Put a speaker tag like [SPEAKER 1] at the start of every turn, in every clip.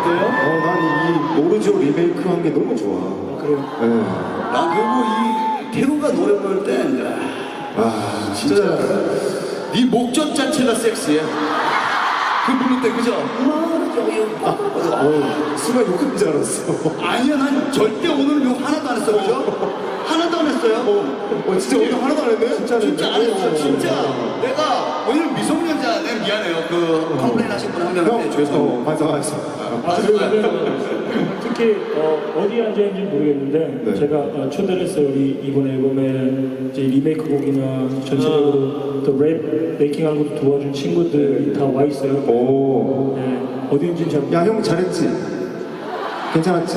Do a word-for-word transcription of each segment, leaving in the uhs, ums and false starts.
[SPEAKER 1] 어때요?
[SPEAKER 2] 어, 난 이 모르죠 리메이크 한 게 너무 좋아.
[SPEAKER 1] 아, 그래요?
[SPEAKER 2] 네.
[SPEAKER 3] 난 그리고 이 태우가 노래 부를 때
[SPEAKER 2] 아,
[SPEAKER 3] 진짜 네 목젖 자체가 섹시해. 그 부를 때 그죠?
[SPEAKER 2] 어, 순간 욕한 줄 알았어.
[SPEAKER 3] 아니야, 난 절대 오늘 욕 하나도 안 했어, 그죠? 하나도 안 했어요.
[SPEAKER 2] 어, 진짜 오늘 하나도 안 했네? 진짜
[SPEAKER 3] 진짜 안 했어, 진짜. 내가 오늘 미성년자, 내가 미안해요. 그 컴플레인 하신 분 한 명한테
[SPEAKER 2] 형,
[SPEAKER 3] 죄송해요.
[SPEAKER 2] 어, 반성하겠습니다.
[SPEAKER 1] 아, 그리고 특히 어, 어디 앉아있는지 모르겠는데
[SPEAKER 2] 네.
[SPEAKER 1] 제가 어, 초대를 했어요. 우리 이번 앨범에 이제 리메이크 곡이나 전체적으로 또 랩 메이킹하는 것도 도와준 친구들이 다 와 있어요.
[SPEAKER 2] 오.
[SPEAKER 1] 네, 어디인지는 잘
[SPEAKER 2] 야, 형 잘했지? 괜찮았지?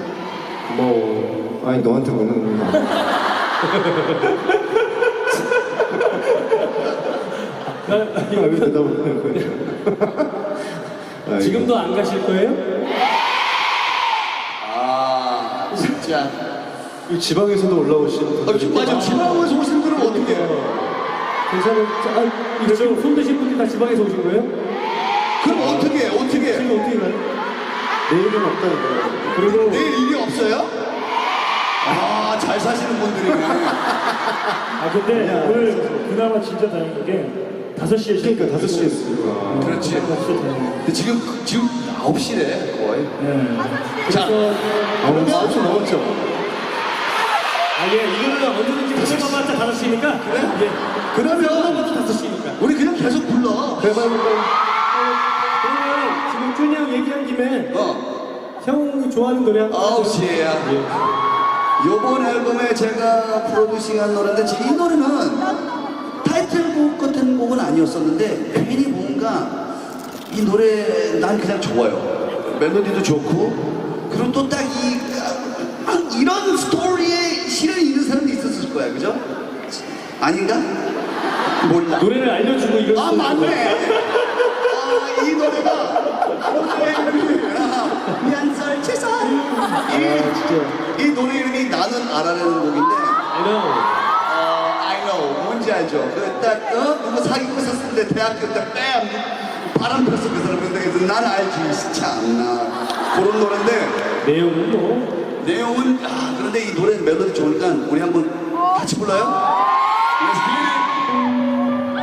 [SPEAKER 2] 뭐, 아니, 너한테 묻는 거. 아, 왜 대답을 하는 거야?
[SPEAKER 1] 지금도 안 가실 거예요?
[SPEAKER 3] 아, 진짜.
[SPEAKER 2] 이 지방에서도 올라오신
[SPEAKER 3] 아, 지금 맞아. 지방에서 오신 분은 어떻게 해요?
[SPEAKER 1] 괜찮은 아, 이거 지금 손 드신 분들 다 지방에서 오신 거예요?
[SPEAKER 3] 그럼 어떻게 해? 어떻게 해?
[SPEAKER 1] 지금 어떻게 가요?
[SPEAKER 2] 내일은 없다는 거야.
[SPEAKER 1] 그리고
[SPEAKER 3] 내일 일이 없어요? 아, 잘 사시는 분들이네.
[SPEAKER 1] 아 근데 오늘 그나마 진짜 다행인 게 다섯 시에
[SPEAKER 2] 그러니까 다섯 시에 했으니까.
[SPEAKER 3] 그렇지.
[SPEAKER 1] 진짜 다행이에요.
[SPEAKER 3] 근데 지금, 지금 아홉 시래, 거의.
[SPEAKER 1] 네.
[SPEAKER 3] 자,
[SPEAKER 1] 그래서
[SPEAKER 2] 아, 오늘 아홉 시 넘었죠?
[SPEAKER 1] 아, 예, 이거는 언제든지 오늘만 봤자 다섯 시니까. 그래? 예.
[SPEAKER 3] 그러면
[SPEAKER 1] 오늘만 다섯 시니까.
[SPEAKER 3] 우리 그냥 계속 불러.
[SPEAKER 2] 대박이다.
[SPEAKER 1] 그러면 지금 준이 형 얘기한 김에
[SPEAKER 3] 어.
[SPEAKER 1] 형이 좋아하는 노래 한 곡.
[SPEAKER 3] 아홉 시에야. 요번 앨범에 제가 프로듀싱한 노래인데 이 노래는 타이틀곡 같은 곡은 아니었었는데 괜히 뭔가 이 노래 난 그냥 좋아요. 멜로디도 좋고 그리고 또 딱 이 이런 스토리에 실현이 있는 사람도 있었을 거야, 그죠? 아닌가? 몰라.
[SPEAKER 1] 노래를 알려주고 이런
[SPEAKER 3] 아,
[SPEAKER 1] 소리.
[SPEAKER 3] 맞네. 아, 이 노래가 미안설 최선.
[SPEAKER 1] 아, 진짜.
[SPEAKER 3] 이 노래 이름이 나는 알아내는 곡인데
[SPEAKER 1] I know.
[SPEAKER 3] 어, I know 뭔지 알죠? 그딱 어? 누구 사귀고 있었을 때 대학교 때 뺨 바람 폈어 그 사람. 근데 난 알지 참나 그런 노래인데
[SPEAKER 1] 내용은 뭐.
[SPEAKER 3] 내용은 아 그런데 이 노래 멜로디 좋으니까 우리 한번 같이 불러요? Let's get it.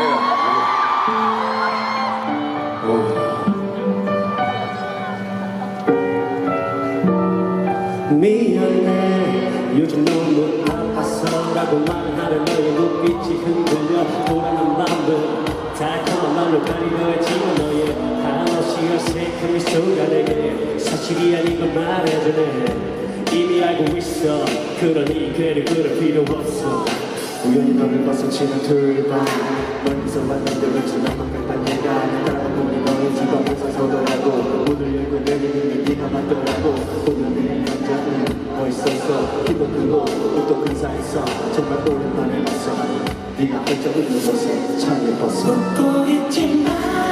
[SPEAKER 1] 미안해 요즘 너무 아파서라고 말하는 너의 눈빛이 흔들려 돌아는 맘들 달콤한 맘을 가리려했지만 너의 한없이 어색한 미소가 내게 사실이 아닌 걸 말해주네. 이미 알고 있어 그러니 괴를 그럴 필요 없어.
[SPEAKER 2] 우연히 너를 봤어 지난 토요일 밤 멀리서 만난데 왠지 나만 같단 얘가 아니다. 보니 너의 지방에서 서더라고 문을 열고 내리는 게 네가 맞더라고. 오늘 내 남자는 멋있었어. 키도 크고 옷도 근사했어. 정말 오랜만에 봤어. 네가 펄쩍 웃는 모습 참 예뻤어.
[SPEAKER 4] 웃고 있지만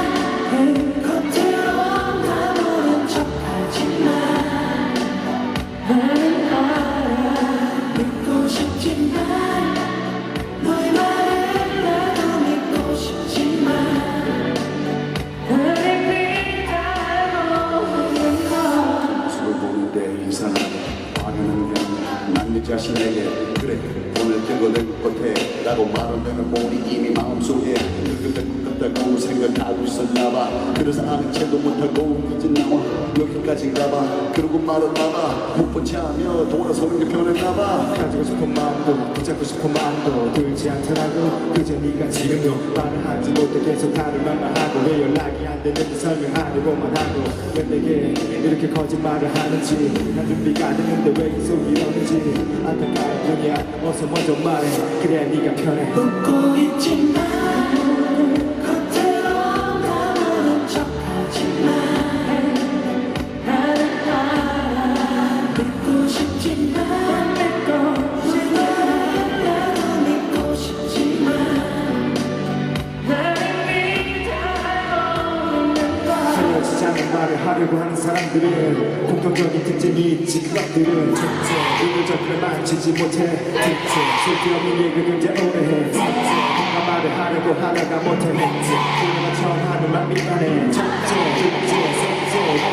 [SPEAKER 4] 겉으로 다 모른 척하지만 나는 알아. 믿고 싶지만 너의 말을 나도 믿고 싶지만 나를 믿어보는 건
[SPEAKER 3] 모습을 보는데 이상하다. 당연한 게난네 자신에게 그래 오늘 뜬거 내 끝에 라고 말하면 머리 이미 마음속에 그렇다고 생각하고 있었나봐. 그래서 아는 채도 못하고 이제 나와 여기까지인가봐. 그러고 말았나봐. 못 본 채하며 돌아서는 게 변했나봐.
[SPEAKER 2] 가지고 싶은 마음도 붙잡고 싶은 마음도 들지 않더라고. 그저 네가 지금도 말을 하지 못해 계속 다른 말만 하고 왜 연락이 안 되는지 설명하려고만 하고 왜 내게 이렇게 거짓말을 하는지 난 준비가 안 됐는데 왜 계속 이러는지 안타까울 뿐이야. 어서 먼저 말해 그래야 네가 편해.
[SPEAKER 4] 웃고 있지만 겉으로 다 모른 척하지만 나는 알아. 믿고 싶지만 나도 믿고 싶지만 나를 믿어보는 건
[SPEAKER 2] 헤어지지 않는 말을 하려고 하는 사람들은 공통적인 특징이 있지. 그것들은 특징 이들적으로 만지지 못해. 특징 쓸데없는 얘기를 이제 오래 해. 특징 뭔가 말을 하려고 하다가 못해. 특징 그녀가 처음 하는 말 미안해. 특징 특징 특징